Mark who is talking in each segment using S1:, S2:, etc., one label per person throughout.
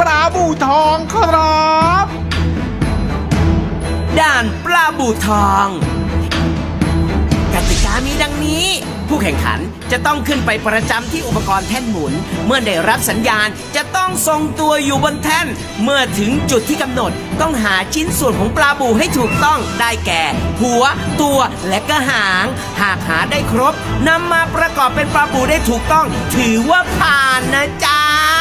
S1: ลาบูทองครับ
S2: ด่านปลาบูทองกติกามีดังนี้ ผู้แข่งขันจะต้องขึ้นไปประจำที่อุปกรณ์แท่นหมุน เมื่อได้รับสัญญาณจะต้องทรงตัวอยู่บนแท่น เมื่อถึงจุดที่กำหนดต้องหาชิ้นส่วนของปลาบูให้ถูกต้องได้แก่ หัวตัวและก็หาง หากหาได้ครบนำมาประกอบเป็นปลาบูได้ถูกต้อง ถือว่าผ่านนะจ๊ะ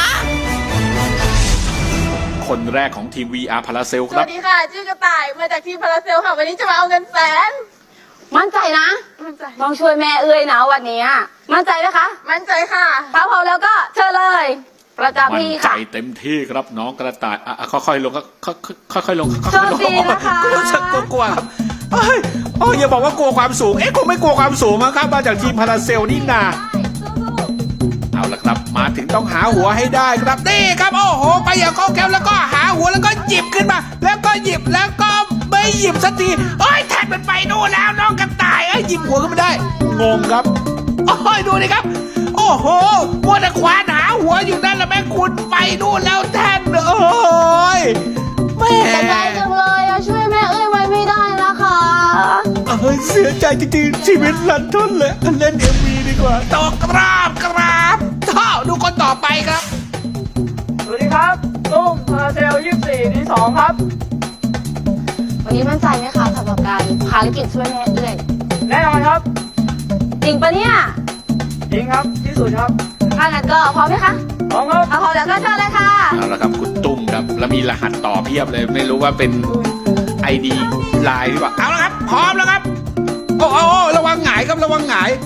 S1: คนแรกของทีม VR พาราเซลค
S3: ส
S1: รั
S3: วั
S1: บ
S3: สดีค่ะ ชื่อกระต่าย มาจากทีมพาราเซลค่ะ วันนี้จะมาเอาเงินแสน
S4: มั่นใจนะ
S3: มั่นใจ
S4: ต้องช่วยแม่เอ้ยนะวันนี้มั่นใจไหมคะ
S3: มั่นใจค่ะ
S4: ถ้าพร้อมแล้วก็เชิญเลย ประจำ
S1: มั่น
S4: ที่
S1: ใจ
S4: ค่ะ
S1: เต็มที่ครับน้องกระต่ายค่อยๆลงค่อยๆลง
S4: โชคดีนะคะ
S1: รู้สึกกลัวๆครับเอ้ยอย่าบอกว่ากลัวความสูงคงไม่กลัวความสูงมั้งครับมาจากทีมพาราเซลนี่นาเอาละครับมาถึงต้องหาหัวให้ได้ครับนี่ครับโอ้โหไปอย่างคล่องแคล่วแล้วก็หาหัวแล้วก็หยิบขึ้นมา แล้วก็หยิบแล้วก็ไม่หยิบสักทีแทนมันไปนู่นแล้วน้องกระต่ายหยิบหัวก็ไม่ได้งงครับดูดิครับโอ้โหมัวแต่ควานหาหัวอยู่นั่นแล้วแม่คุณไปนู่นแล้วแทนแม่
S4: แต่ใจจังเลยช่วยแม่เอ้ยไว้ไม่ได้นะคะ
S1: เสียใจจริงๆชีวิตลันทนเลยเล่นMVดีกว่าต่อกราบดูคนต่อไปครับ
S5: สวัสดีครับตุ้มพาราเซล24ที่2ครับ
S4: วันนี้มั่นใจไหมคะสำหรับการภารกิจช่วยแม่เอ้ย
S5: แน่นอนครับ
S4: จริงปะเนี่ย
S5: จริงครับที่สุดครับ
S4: ถ้างั้นก็พร้อมไหมคะ
S5: พร้อมครับ
S4: ถ้าพร้อมแล้วก็เชิญเลยค่ะ
S1: เอาละครับคุณตุ้มครับแล้วมีรหัสต่อเพียบเลยไม่รู้ว่าเป็น ID ไลน์หรือเปล่าเอาละครับพร้อมแล้วครับโอ้ระวังหงายครับระวังหงาย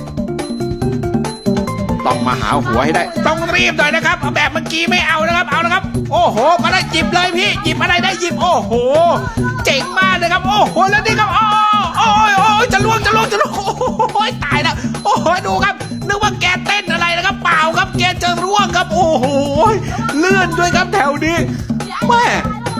S1: ต้องมาหาหัวให้ได้ต้องรีบหน่อยนะครับแบบเมื่อกี้ไม่เอานะครับเอาละครับโอ้โหมาได้หยิบเลยพี่หยิบอะไรได้หยิบโอ้โหเจ๋งมากเลยครับโอ้โหแล้วนี่ครับโอ้ยจะล่วงโอ้ยตายแล้วโอ้โหดูครับนึกว่าแกเต้นอะไรนะครับเปล่าครับแกจะร่วงครับโอ้โหเลื่อนด้วยครับแถวนี้แม่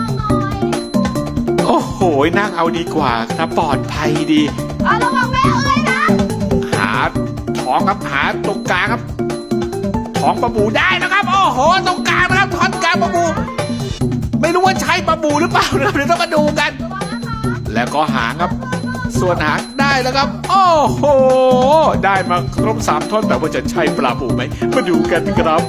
S1: โอ้โหนั่งเอาดีกว่าครับปลอดภัยดี
S4: ระวังแม่เอ้ยนะ
S1: หาท้องครับหาตรงกลางครับท้องปลาบูได้นะครับโอ้โหตรงกลางนะครับท้องกลางปลาบูไม่รู้ว่าใช่ปลาบูหรือเปล่านะครับเดี๋ยวต้องมาดูกัน แล้วก็หางครับส่วนหางได้แล้วครับโอ้โหได้มาครบ3ท่อนแต่ว่าจะใช่ปลาบูไหมมาดูกันครับ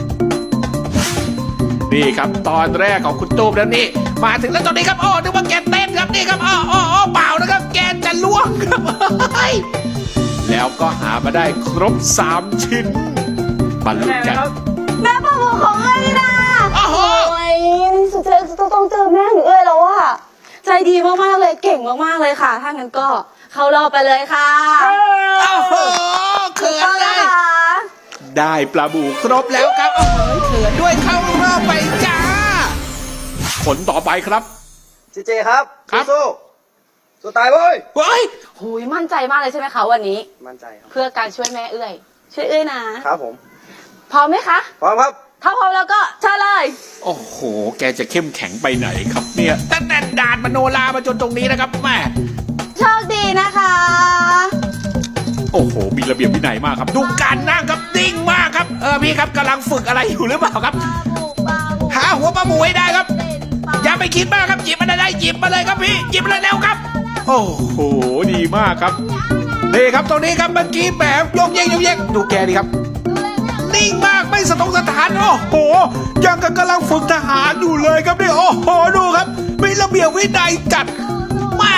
S1: นี่ครับตอนแรกของคุณตูมแล้วนี่มาถึงแล้วตอนนี้ครับนึกว่าแกเต้นครับนี่ครับเปล่านะครับแกจะล่วงครับแล้วก็หามาได้ครบ3ชิ้นบรรลุกัน
S4: แม่ปลาบูของเอ้ยนี่นะ
S1: โอ้โห
S4: สุดท้ายต้องเจอแม่ของเอ้ยแล้วอะใจดีมากๆเลยเก่งมากๆเลยค่ะ ถ้างั้นก็เข้ารอบไปเลยค่ะ
S1: โอ้โหเขิน
S4: เอา
S1: เล
S4: ละ
S1: ย
S4: ค่ะ
S1: ได้ปลาบูครบแล้วครับโอ้โหเขินด้วยเข้ารอบไปจ้าผลต่อไปครับ
S5: เจครับ
S1: ครับ
S5: สู้ตายเว้ย
S1: เฮ้ย
S4: หุยมั่นใจมากเลยใช่ไหมคะวันนี้
S5: มั่นใจครับ
S4: เพื่อการช่วยแม่เอ้ยช่วยเอ้ยนะครับ
S5: ผม
S4: พร้อมไหมคะ
S5: พร้อมครับ
S4: ถ้าพร้อมแล้วก็เชิญเลย
S1: โอ้โหแกจะเข้มแข็งไปไหนครับเนี่ยตั้งแต่ด่านมโนรามาจนตรงนี้นะครับแม่
S4: โชคดีนะคะ
S1: โอ้โหมีระเบียบวินัยมากครับดูการนั่งครับนิ่งมากครับพี่ครับกำลังฝึกอะไรอยู่หรือเปล่าครับ หาหัวปลาบูให้ได้ครับ อย่าไปคิดมากครับหยิบมันได้หยิบมาเลยครับพี่หยิบมาเลยเร็วครับ โอ้โหดีมากครับนี่ครับตรงนี้ครับเมื่อกี้แบบโยกเยกดูแกดีครับนิ่งมากไม่สะทกสะท้านโอ้โหยังกับกำลังฝึกทหารอยู่เลยครับนี่โอ้โหดูครับมีระเบียบวินัยจัดมา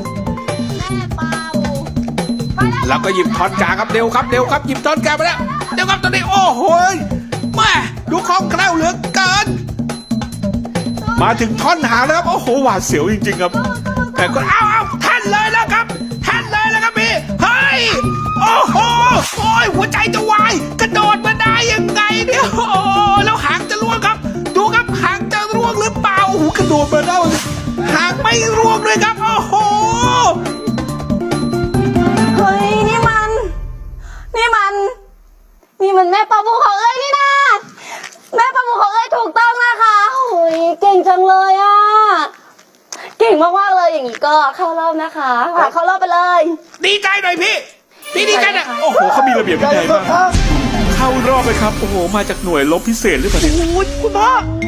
S1: แล้วก็หยิบท่อนกลางครับเร็วครับหยิบท่อนกลางไปแล้วเร็วครับตอนนี้โอ้โหมาดูคล่องแคล่วเหลือเกินมาถึงท่อนหางแล้วครับโอ้โหหวาดเสียวจริงๆครับแต่ก็เอาท่านเลยแล้วครับพี่เฮ้ยโอ้โหโอ้ยหัวใจจะวายกระโดดมาได้ยังไงเนี่ยโอ้แล้วหางจะร่วงครับดูครับหางจะร่วงหรือเปล่าโอ้โหกระโดดมาได้หางไม่ร่วงเลยครับโอ้โห
S4: เฮ้ยนี่มันแม่ปลาบูของเอ้ยนี่นะแม่ปลาบูของเอ้ยถูกต้องนะคะโอ้ยเก่งจังเลยอ่ะเก่งมากๆเลยอย่างนี้ก็เข้ารอบนะคะเข้ารอบไปเลย
S1: ดีใจหน่อยพี่ดีใจหน่อยโอ้โหเขามีระเบียบวินัยมากเข้ารอบเลยครับโอ้โหมาจากหน่วยรบพิเศษหรือเปล่าเนี่ย
S5: คุณพ่อ